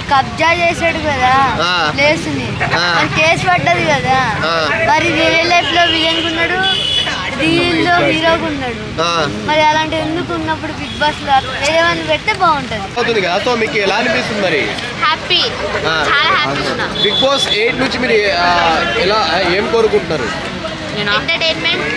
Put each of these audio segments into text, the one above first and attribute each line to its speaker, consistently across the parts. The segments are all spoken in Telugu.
Speaker 1: కబ్జా చేసాడు కదా ప్లేస్ ని, కేసు పడ్డది కదా. మరి రియల్ లైఫ్ లో విలన్ ఉన్నాడు, రియల్ లో హీరోగా ఉన్నాడు. మరి అలాంటి ఎందుకు ఉన్నప్పుడు బిగ్ బాస్ లో ఏమైనా పెడితే బాగుంటది
Speaker 2: కదా. సో మీకు ఎలా అనిపిస్తుంది మరి?
Speaker 3: హ్యాపీ, చాలా హ్యాపీ ఉన్నా.
Speaker 2: బిగ్ బాస్ 8 నుంచి మీరు ఎలా ఏం కోరుకుంటున్నారు?
Speaker 3: ఎంటర్టైన్మెంట్,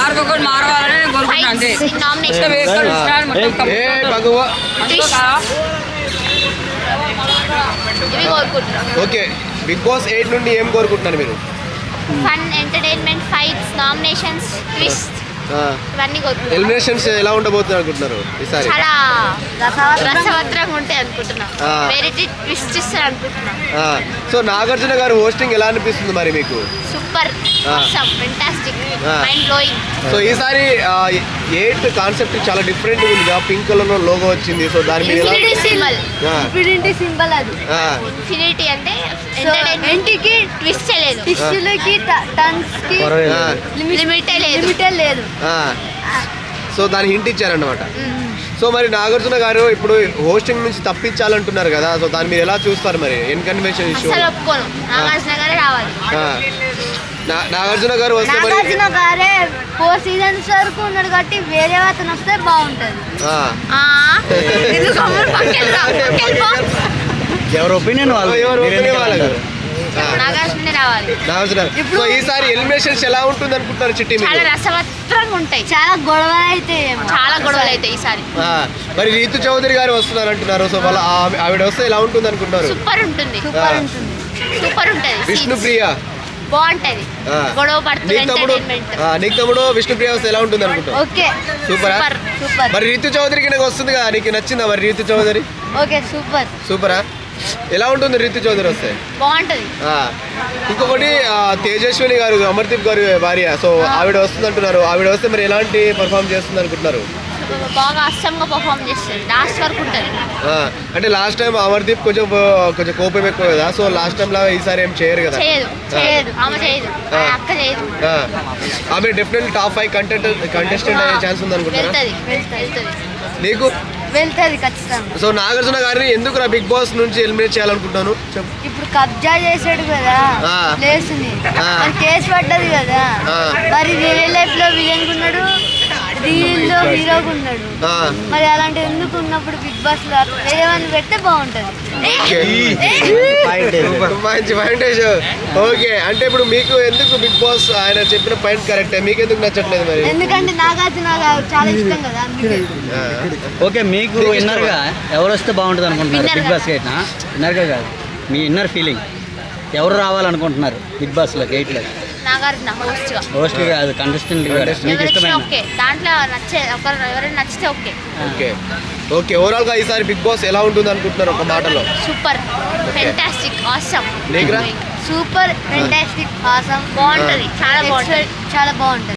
Speaker 2: ఓకే, బిగ్ బాస్ 8 నుండి ఏం కోరుకుంటున్నారు మీరు?
Speaker 3: Fun, entertainment, fights, nominations, twist, ఇవన్నీ కోరుకుంటున్నాను.
Speaker 2: ఎలిమినేషన్స్ ఎలా ఉండబోతుంది అనుకుంటున్నారు ఈసారి?
Speaker 3: చాలా రసవత్రంగా ఉంటాయి అనుకుంటున్నా. వెరైటీ ట్విస్ట్ ఇస్తారు అనుకుంటున్నా.
Speaker 2: సో నాగార్జున గారు హోస్టింగ్ ఎలా అనిపిస్తుంది మరి మీకు?
Speaker 3: Super, awesome, fantastic, mind blowing.
Speaker 2: So ఈసారి 8 కాన్సెప్ట్ చాలా డిఫరెంట్ ఉంది. పింక్ కలర్ లో లోగో వచ్చింది. సో దాని మీద
Speaker 3: ఇన్ఫినిటీ సింబల్,
Speaker 1: ఇన్ఫినిటీ సింబల్ అది.
Speaker 3: ఇన్ఫినిటీ అంటే ఎంటర్టైన్మెంట్ కి ట్విస్ట్ లేదు,
Speaker 1: ఫిష్లకి టన్స్ కి లిమిట్ లేదు.
Speaker 2: సో దాని హింట్ ఇచ్చారన్నమాట. సో మరి నాగార్జున గారు ఇప్పుడు హోస్టింగ్ నుంచి తప్పించాలంటున్నారు కదా. సో దాన్ని మీరు ఎలా చూస్తారు మరి? N Convention issue.
Speaker 3: ఒప్పుకోను, నాగార్జున గారే రావాలి.
Speaker 2: నాగార్జున గారు వస్తే మరి
Speaker 1: నాగార్జున గారే 4 సీజన్స్ వరకు ఉన్నాడు కాబట్టి వేరే అతను వస్తే బాగుంటది.
Speaker 4: ఎవరి ఒపీనియన్
Speaker 2: వాళ్ళ
Speaker 3: నాగార్జున రావాలి.
Speaker 2: సో ఈసారి ఎలిమినేషన్స్ ఎలా ఉంటుంది అనుకుంటున్నారు చిట్టి?
Speaker 3: చాలా రసవత్రంగా ఉంటాయి,
Speaker 1: చాలా గొడవలు అయితే
Speaker 3: ఈసారి.
Speaker 2: మరి రీతు చౌదరి గారు వస్తున్నారు అంటున్నారు. సో వాళ్ళ ఆవిడ వస్తే ఎలా ఉంటుంది అనుకుంటున్నారు?
Speaker 3: సూపర్ ఉంటుంది, సూపర్ ఉంటుంది.
Speaker 2: విష్ణుప్రియ
Speaker 3: బాగుంటది, గొడవ పడుతుంది.
Speaker 2: నీకు తమ్ముడు విష్ణుప్రియ వస్తే ఎలా ఉంటుంది అనుకుంటున్నావు?
Speaker 1: Okay,
Speaker 2: super. మరి రీతు చౌదరికి నాకు వస్తుంది కదా, నీకు నచ్చిందా మరి రీతు చౌదరి?
Speaker 1: ఓకే, సూపరా.
Speaker 2: ఎలా ఉంటుంది రీతు చౌదరి వస్తే?
Speaker 3: బాగుంటది.
Speaker 2: ఇంకొకటి తేజస్విని గారు, అమర్దీప్ గారు భార్య. సో ఆవిడ వస్తుంది అంటున్నారు. ఆవిడ వస్తే మరి ఎలాంటి పర్ఫామ్ చేస్తుంది అనుకుంటున్నారు?
Speaker 3: బాగా అస్సంగా పర్ఫామ్ చేస్తుంది, లాస్ట్ వరకు ఉంటుంది.
Speaker 2: అంటే లాస్ట్ టైం అమర్దీప్ కొంచెం కోపం ఎక్కువ కదా. సో లాస్ట్ టైం లాగా ఈసారి ఏం చేయరు కదా. ఆమె డెఫినెట్లీ టాప్ 5 కంటెస్టెంట్ అయ్యే ఛాన్స్ ఉంది అనుకుంటున్నారు. నీకు
Speaker 1: వెళ్తుంది ఖచ్చితంగా.
Speaker 2: సో నాగార్జున గారిని ఎందుకు నా బిగ్ బాస్ నుంచి ఎలిమినేట్ చేయాలనుకుంటున్నాను?
Speaker 1: ఇప్పుడు కబ్జా చేసాడు కదా ప్లేస్ ని, కేసు పడ్డది కదా. మరి రియల్ లైఫ్ లో విలన్ ఉన్నాడు, రియల్ లో హీరోగా ఉన్నాడు. మరి అలాంటి ఎందుకు ఉన్నప్పుడు బిగ్ బాస్ లో ఏమైనా పెడితే బాగుంటది.
Speaker 2: మంచి పాయింట్. ఓకే, అంటే ఇప్పుడు మీకు ఎందుకు బిగ్ బాస్ ఆయన చెప్పిన పాయింట్ కరెక్టే, మీకు ఎందుకు నచ్చట్లేదు మరి?
Speaker 1: ఎందుకంటే నాగార్జున గారు చాలా ఇష్టం కదా అందుకే.
Speaker 4: ఓకే, మీకు ఇన్నర్ గా ఎవరు వస్తే బాగుంటుంది అనుకుంటున్నారు బిగ్ బాస్ 8? ఇన్నర్ గా కాదు, మీ ఇన్నర్ ఫీలింగ్ ఎవరు రావాలనుకుంటున్నారు బిగ్ బాస్ లో 8 లో?
Speaker 3: నాగార్జున
Speaker 4: హోస్ట్ కాదు, కంటెస్టెంట్ మీకు ఇష్టమైన
Speaker 3: దాంట్లో నచ్చే ఎవరైనా నచ్చితే ఓకే.
Speaker 2: ఓకే, ఓవరాల్ గా ఈసారి బిగ్ బాస్ ఎలా ఉంటుంది అనుకుంటున్నారు ఒక మాటలో?
Speaker 3: Super, fantastic, awesome.
Speaker 1: Super, fantastic, awesome.
Speaker 3: బాగుంటది, చాలా బాగుంటది.